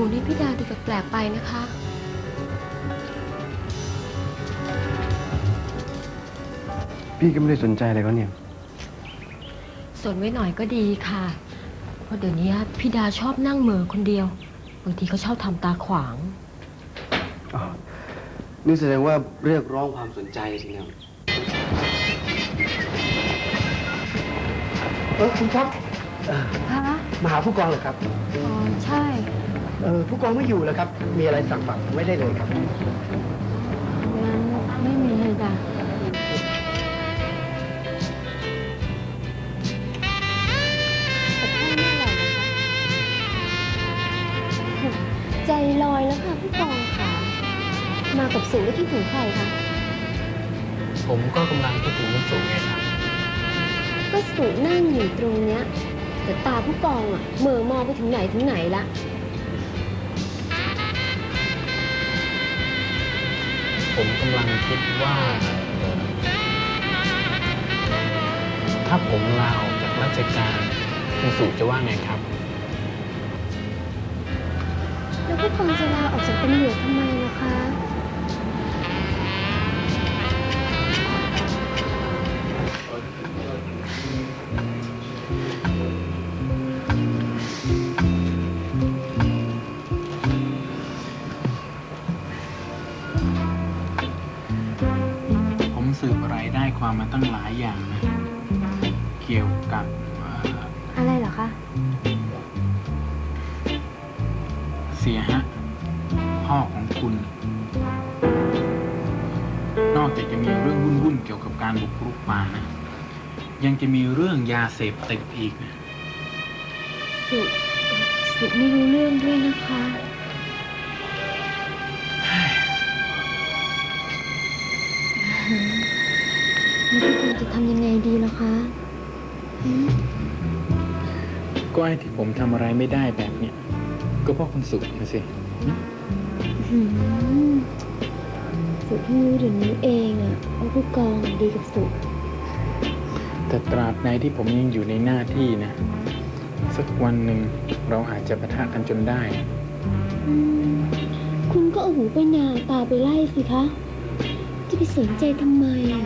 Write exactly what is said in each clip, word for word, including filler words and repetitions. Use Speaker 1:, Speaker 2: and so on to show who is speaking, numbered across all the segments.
Speaker 1: นี่พี่ดาดูแปลกๆไปนะคะ
Speaker 2: พี่ก็ไม่ได้สนใจอะไรเขาเนี่ย
Speaker 1: สนไว้หน่อยก็ดีค่ะเพราะเดี๋ยวนี้พี่ดาชอบนั่งเหม่อคนเดียวบางทีเขาชอบทำตาขวาง
Speaker 2: อ๋อนี่แสดงว่าเรียกร้องความสนใจสิเนี่ยเออคุณครับ
Speaker 1: ฮะ
Speaker 2: มาหาผู้กองเหรอครับ
Speaker 1: อ๋อใช่
Speaker 2: เออผู้กองไม่อยู่แล้วครับมีอะไรสั่งฝากไว้ได้เลยครับ
Speaker 1: งั้นไม่มีเลยจ้ะใจลอยแล้วค่ะผู้กองค่ะมากับสูแล้วคิดถึงใครคะ
Speaker 3: ผมก็กำลังคิดถึงคุณสูไงครับ
Speaker 1: ก็สูนั่งอยู่ตรงเนี้ยแต่ตาผู้กองอ่ะเหม่อมองไปถึงไหนถึงไหนละ
Speaker 3: ผมกำลังคิดว่าถ้าผมลาออกจากราชการคุณสูจะว่าไงครับ
Speaker 1: แล้วผู้กองจะลาออกจากตำรวจทำไมล่ะคะ
Speaker 3: ผมสืบอะไรได้ความมาตั้งหลายอย่างนะเกี่ยวกับ
Speaker 1: อะไรเหรอคะ
Speaker 3: เสียฮะพ่อของคุณนอกจากจะมีเรื่องวุ่นๆเกี่ยวกับการบุกรุกป่านะยังจะมีเรื่องยาเสพติดอีกนะ
Speaker 1: สุสุไม่รู้เรื่องด้วยนะคะแล้วพี่คุณจะทำยังไงดีล่ะคะ
Speaker 3: ก็ไอ้ที่ผมทำอะไรไม่ได้แบบเนี้ยก็เพราะคุณสุนะสิ
Speaker 1: สุเพิ่งรู้เดี๋ยวนี้เองอะว่าผู้กองดีกับสุ
Speaker 3: แต่ตราบใดที่ผมยังอยู่ในหน้าที่นะสักวันหนึ่งเราอาจจะปะทะกันจนได้
Speaker 1: คุณก็เอาหูไปนาตาไปไล่สิคะจะไปสนใจทำไมอะ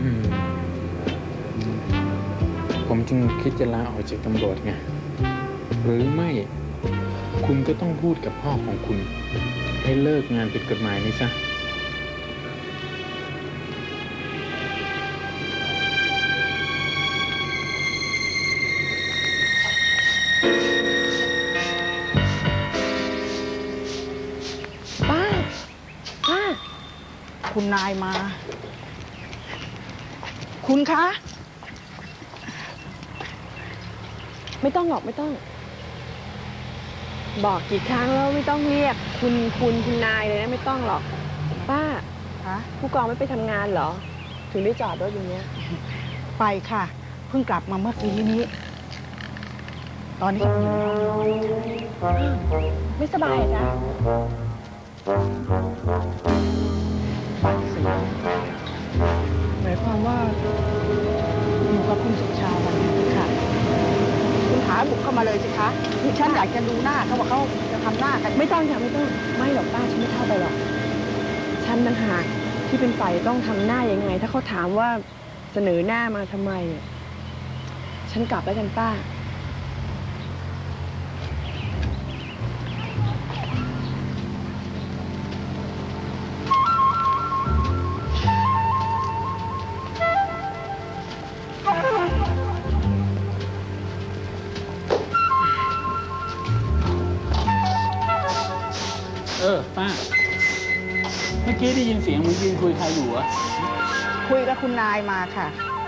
Speaker 3: ผมจึงคิดจะลาออกจากตำรวจไงหรือไม่คุณก็ต้องพูดกับพ่อของคุณให้เลิกงานผิดกฎหมายนี้ซะ
Speaker 4: ป้าป้าคุณนายมาคุณคะไม่ต้องหรอกไม่ต้องบอกกี่ครั้งแล้วไม่ต้องเรียกคุณคุณคุณนายเลยนะไม่ต้องหรอกป้าฮะผู้กองไม่ไปทำงานเหรอถึงได้จอดรถอย่างเงี้ยไปค่ะเพิ่งกลับมาเมื่อกี้นี้ตอนนี้ไม่สบายจ้ะปากเสียหมายความว่าอยู่กับคุณสุชาวันนี้ค่ะคุณหาบุกเข้ามาเลยสิคะฉันอยากจะดูหน้าเขาบอกเขาจะทำหน้ากันไม่ต้องค่ะไม่ต้องไม่หรอกป้าฉันไม่เข้าไปหรอกฉันต่างหากที่เป็นฝ่ายต้องทำหน้ายังไงถ้าเขาถามว่าเสนอหน้ามาทำไมฉันกลับแล้วกันป้า
Speaker 3: เออป้าเมื่อกี้ได้ยินเสียงมึงยืนคุยใครอยู่อะ
Speaker 4: คุยกับคุณนายมาค่ะ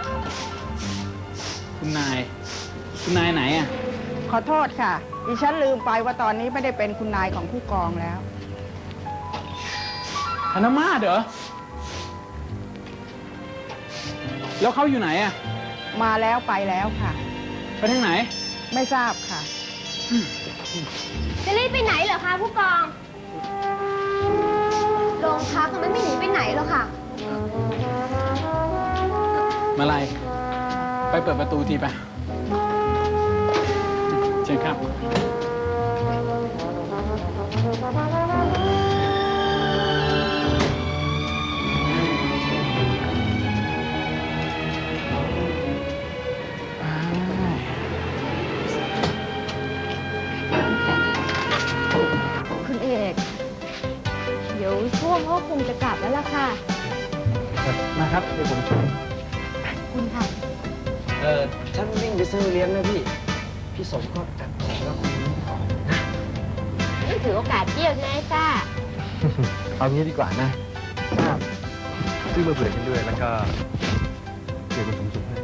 Speaker 3: คุณนายคุณนายไหนอะ
Speaker 4: ขอโทษค่ะดิฉันลืมไปว่าตอนนี้ไม่ได้เป็นคุณนายของผู้กองแล้ว
Speaker 3: ธนมาศเหรอแล้วเขาอยู่ไหนอะ
Speaker 4: มาแล้วไปแล้วค่ะ
Speaker 3: ไปทางไหน
Speaker 4: ไม่ทราบค่ะ
Speaker 1: จะรีบไปไหนเหรอคะผู้กองโรงพักมันไม่หนีไปไหนหรอกค่ะ
Speaker 3: มาลัยไปเปิดประตูทีไปเชิญครับ
Speaker 1: งจะกลับแล้วล่ะค่ะ
Speaker 2: มาครับเดี๋ยวผมช่วย
Speaker 1: คุณค่ะ
Speaker 2: เออฉันวิ่งไปซื้อเลี้ยงนะพี่ พี่สมก็จัดของแล้วคุณรู้ของนะ
Speaker 1: นี่ถือโอกาสเที่ยวใช่ไหมจ้า
Speaker 2: เอางี้ดีกว่านะซื้อมาเผื่อฉันด้วยแล้วก็เดี๋ยวคุณสมจุให้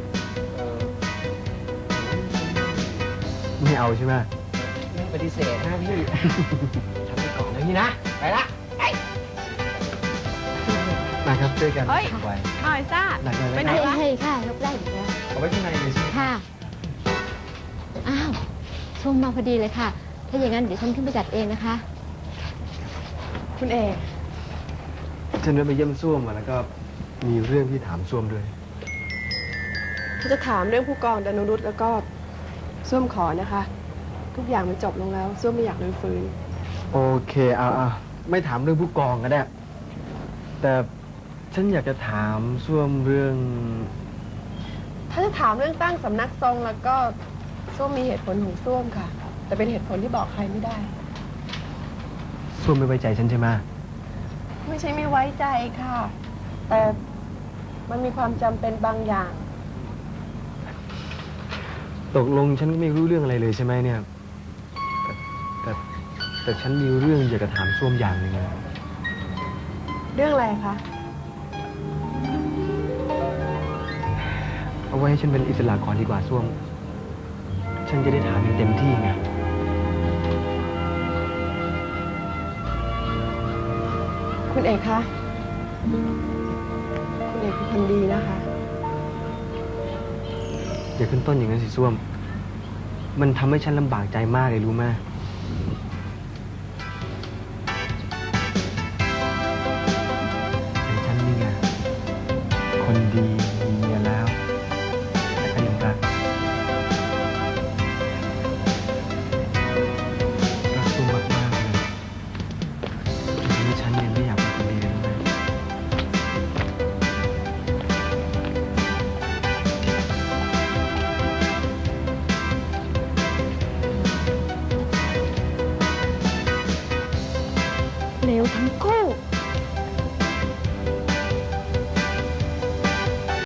Speaker 2: ไม่เอาใช่ไหมไม่ปฏิเสธนะพี่ ทำไปก่อนนะพี่นะ ไปละไปมาครับช่วยกัน
Speaker 4: เฮ้ย
Speaker 2: ไว้
Speaker 4: หน่อยซ่า
Speaker 2: หนักเลย
Speaker 4: ไป
Speaker 2: นะ
Speaker 4: ไหน
Speaker 2: ครับ
Speaker 4: วะ
Speaker 1: ให้ค่ะยกได้อยู่แล้ว
Speaker 2: เอาไว้ข้างในเลยใช่ไหม
Speaker 1: ค่ะ อ้าวส้มมาพอดีเลยค่ะ ถ้าอย่างนั้นเดี๋ยวฉันขึ้นไปจัดเองนะคะ
Speaker 4: คุณเอก
Speaker 2: ฉันได้ไปเยี่ยมส้วมมาแล้วก็มีเรื่องที่ถามส้วมด้วย
Speaker 5: ถ้าจะถามเรื่องผู้กองดานุรุตแล้วก็ส้วมขอนะคะ ทุกอย่างมันจบลงแล้วส้วมไม่อยากรื้อฟื้น
Speaker 2: โอเคเอาเอาไม่ถามเรื่องผู้กองก็ได้ แต่ฉันอยากจะถามส้วมเรื่อง
Speaker 5: ถ้าจะถามเรื่องตั้งสำนักทรงแล้วก็ส้วมมีเหตุผลของส้วมค่ะ แต่เป็นเหตุผลที่บอกใครไม่ได้
Speaker 2: ส้วมไม่ไว้ใจฉันใช่ไหม
Speaker 5: ไม่ใช่ไม่ไว้ใจค่ะ แต่มันมีความจำเป็นบางอย่าง
Speaker 2: ตกลงฉันก็ไม่รู้เรื่องอะไรเลยใช่ไหมเนี่ยแต่แต่แต่ฉันมีเรื่องอยากจะถามส้วมอย่างหนึ่งนะ
Speaker 5: เรื่องอะไรคะ
Speaker 2: เอาไว้ให้ฉันเป็นอิสระก่อนดีกว่าส้วม ฉันจะได้ถามอย่างเต็มที่ไง
Speaker 5: คุณเอกคะ คุณเอกเป็นคนดีนะคะ
Speaker 2: อย่าขึ้นต้นอย่างนั้นสิส้วม มันทำให้ฉันลำบากใจมากเลยรู้ไหมแต่ฉันนี่ไงคนดีมีเมียแล้วแต่ก็ยังรักรักส้วมมากๆเลยจนทำให้ฉันยังไม่อยากเป็นคนดีเลยรู้ไหม
Speaker 4: เลวทั้งคู่